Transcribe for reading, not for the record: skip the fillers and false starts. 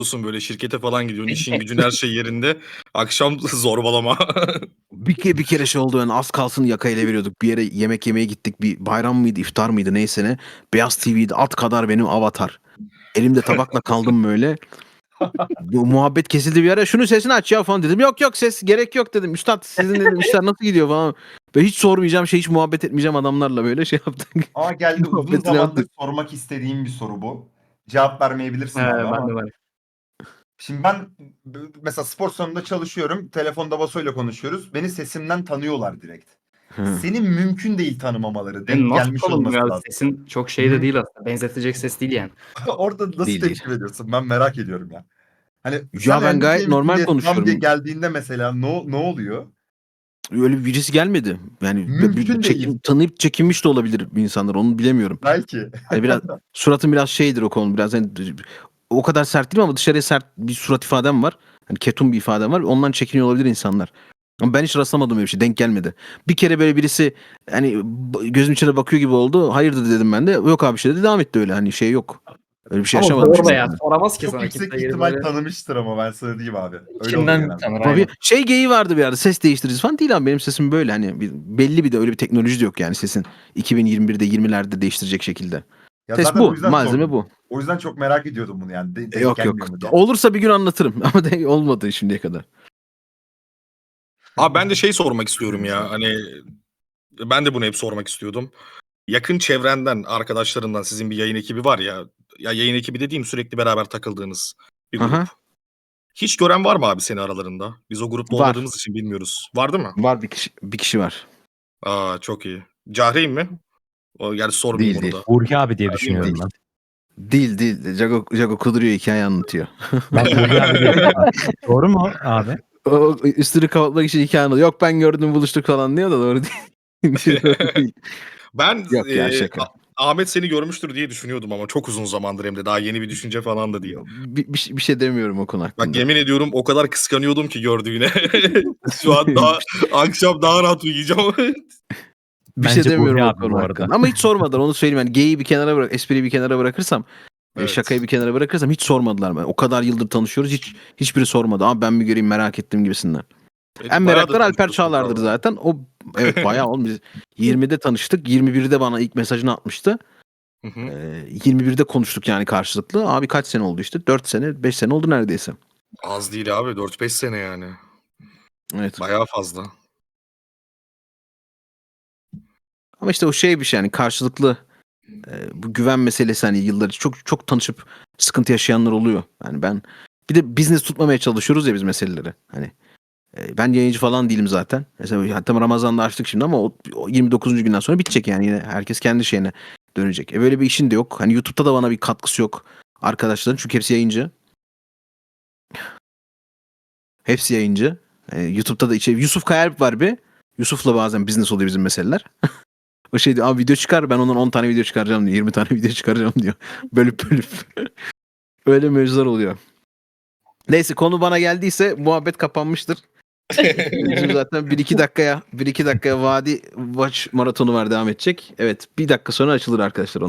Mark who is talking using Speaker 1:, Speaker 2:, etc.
Speaker 1: böyle şirkete falan gidiyorsun, işin gücün her şey yerinde. Akşam zorbalama.
Speaker 2: Bir kere şey oldu, yani az kalsın yakayla veriyorduk. Bir yere yemek yemeye gittik. Bir bayram mıydı, iftar mıydı neyse ne. Beyaz TV'de at kadar benim avatar. Elimde tabakla kaldım böyle. Bu muhabbet kesildi bir ara. Şunun sesini aç ya falan dedim. Yok yok, ses gerek yok dedim. Üstad sizin dedim işler nasıl gidiyor falan. Ve hiç sormayacağım hiç muhabbet etmeyeceğim adamlarla böyle şey yaptık.
Speaker 3: Ama geldi, uzun
Speaker 2: Muhabbetini
Speaker 3: zamandır
Speaker 2: yaptık.
Speaker 3: sormak istediğim bir soru bu. Cevap vermeyebilirsin abi
Speaker 4: Ben
Speaker 3: ama.
Speaker 4: de var.
Speaker 3: Şimdi ben mesela spor salonunda çalışıyorum. Telefonda Vaso'yla konuşuyoruz. Beni sesimden tanıyorlar direkt.
Speaker 2: Hı.
Speaker 3: Senin mümkün değil tanımamaları. Denk
Speaker 4: Nasıl
Speaker 3: gelmiş olması
Speaker 4: tanımlıyor abi?
Speaker 3: lazım.
Speaker 4: Sesin çok şey de değil aslında. Benzetecek ses değil yani.
Speaker 3: Orada nasıl
Speaker 2: Değil,
Speaker 3: tepki veriyorsun? Ben merak ediyorum ya. Hani sen
Speaker 2: Ya ben gayet
Speaker 3: endüstriye
Speaker 2: normal
Speaker 3: diye tam diye
Speaker 2: konuşuyorum.
Speaker 3: geldiğinde mesela ne oluyor?
Speaker 2: Öyle birisi gelmedi. Yani
Speaker 3: Mümkün değil.
Speaker 2: tanıyıp çekinmiş de olabilir insanlar, onu bilemiyorum.
Speaker 3: Belki.
Speaker 2: Hani biraz suratım biraz şeydir o konu, biraz hani o kadar sert değilim ama dışarıya sert bir surat ifadem var. Hani ketum bir ifadem var. Ondan çekiniyor olabilir insanlar. Ama ben hiç rastlamadım öyle bir şey. Denk gelmedi. Bir kere böyle birisi hani gözüm içine bakıyor gibi oldu. Hayırdır dedim ben de. Yok abi şey dedi. Devam etti öyle. Hani şey yok. Öyle bir şey
Speaker 4: Ama
Speaker 2: yaşamadım.
Speaker 4: zor da ya.
Speaker 2: Çünkü.
Speaker 4: Soramaz ki
Speaker 3: Çok
Speaker 4: sana
Speaker 3: yüksek
Speaker 4: kimse gelip
Speaker 3: ihtimal
Speaker 4: böyle.
Speaker 3: tanımıştır ama ben sana diyeyim abi. Öyle oluyor
Speaker 4: İçinden
Speaker 3: genelde.
Speaker 4: tanır
Speaker 2: Ama
Speaker 4: aynen.
Speaker 2: bir şey geyiği vardı bir arada. Ses değiştiririz falan değil abi. Benim sesim böyle. Hani belli bir de öyle bir teknoloji de yok yani sesin 2021'de 20'lerde değiştirecek şekilde.
Speaker 3: Ya
Speaker 2: Ses
Speaker 3: zaten o
Speaker 2: bu.
Speaker 3: yüzden
Speaker 2: Malzeme
Speaker 3: sordum.
Speaker 2: bu.
Speaker 3: O yüzden çok merak ediyordum bunu yani. Denk
Speaker 2: Yok
Speaker 3: gelmiyor
Speaker 2: yok.
Speaker 3: mu diye.
Speaker 2: Olursa bir gün anlatırım. Ama olmadı şimdiye kadar.
Speaker 1: Abi ben de şey sormak istiyorum ya. Hani ben de bunu hep sormak istiyordum. Yakın çevrenden, arkadaşlarından sizin bir yayın ekibi var ya. Ya yayın ekibi dediğim sürekli beraber takıldığınız bir grup.
Speaker 2: Aha.
Speaker 1: Hiç gören var mı abi seni aralarında? Biz o grupta
Speaker 2: Var.
Speaker 1: olmadığımız için bilmiyoruz. Var değil mi?
Speaker 2: Var bir kişi var.
Speaker 1: Aa çok iyi. Cahreyn mi? O yani sormayayım
Speaker 2: Değil
Speaker 1: onu
Speaker 2: değil.
Speaker 1: da.
Speaker 5: Burki abi diye
Speaker 1: Değil
Speaker 5: düşünüyorum
Speaker 1: mi?
Speaker 5: ben.
Speaker 2: Değil. Jago kuduruyor, hikaye anlatıyor.
Speaker 5: Ben Burki abi diye Doğru mu abi?
Speaker 2: O üstünü kapatmak için hikaye anlatıyor. Yok ben gördüm buluştuk falan diyor da doğru değil. Doğru değil.
Speaker 1: Ben
Speaker 2: Yok ya şaka.
Speaker 1: Ahmet seni görmüştür diye düşünüyordum ama çok uzun zamandır hem de daha yeni bir düşünce falan da değil.
Speaker 2: Bir şey demiyorum o konu hakkında.
Speaker 1: Bak yemin ediyorum o kadar kıskanıyordum ki gördüğüne. Şu an daha akşam daha rahat uyuyacağım.
Speaker 2: Bir şey
Speaker 5: Bence
Speaker 2: demiyorum
Speaker 5: Burki
Speaker 2: o
Speaker 5: abi
Speaker 2: konu
Speaker 5: bu
Speaker 2: hakkında.
Speaker 5: arada.
Speaker 2: Ama hiç sormadılar, onu söyleyeyim. Yani geyiği bir kenara bırak, espriyi bir kenara bırakırsam,
Speaker 1: Evet.
Speaker 2: şakayı bir kenara bırakırsam hiç sormadılar. O kadar yıldır tanışıyoruz, hiçbiri sormadı. Ama ben bir göreyim merak ettim gibisinden. En
Speaker 1: Bayağı da
Speaker 2: meraklar Alper
Speaker 1: tanışıyorsun
Speaker 2: Çağlar'dır
Speaker 1: galiba.
Speaker 2: zaten. O evet bayağı oğlum, biz 20'de tanıştık. 21'de bana ilk mesajını atmıştı.
Speaker 1: Hı hı.
Speaker 2: 21'de konuştuk yani karşılıklı. Abi kaç sene oldu işte? 4 sene, 5 sene oldu neredeyse.
Speaker 1: Az değil abi 4-5 sene yani.
Speaker 2: Evet.
Speaker 1: Bayağı fazla.
Speaker 2: Ama işte o şey bir şey yani karşılıklı bu güven meselesi, hani yıllar çok tanışıp sıkıntı yaşayanlar oluyor. Yani ben bir de business tutmamaya çalışıyoruz ya biz meseleleri. Hani ben yayıncı falan değilim zaten. Mesela hatta Ramazan'da açtık şimdi ama o 29. günden sonra bitecek yani, yine herkes kendi şeyine dönecek. Böyle bir işin de yok. Hani YouTube'da da bana bir katkısı yok arkadaşların, çünkü hepsi yayıncı. Hepsi yayıncı. YouTube'da da Yusuf Kayalp var bir. Yusuf'la bazen business oluyor bizim meseleler. O şey diyor, abi video çıkar, ben ondan 10 tane video çıkaracağım diyor. 20 tane video çıkaracağım diyor. Bölüp. Öyle mevzular oluyor. Neyse, konu bana geldiyse muhabbet kapanmıştır. Bizim zaten 1-2 dakikaya Vadi Watch maratonu var, devam edecek. Evet, bir dakika sonra açılır arkadaşlar.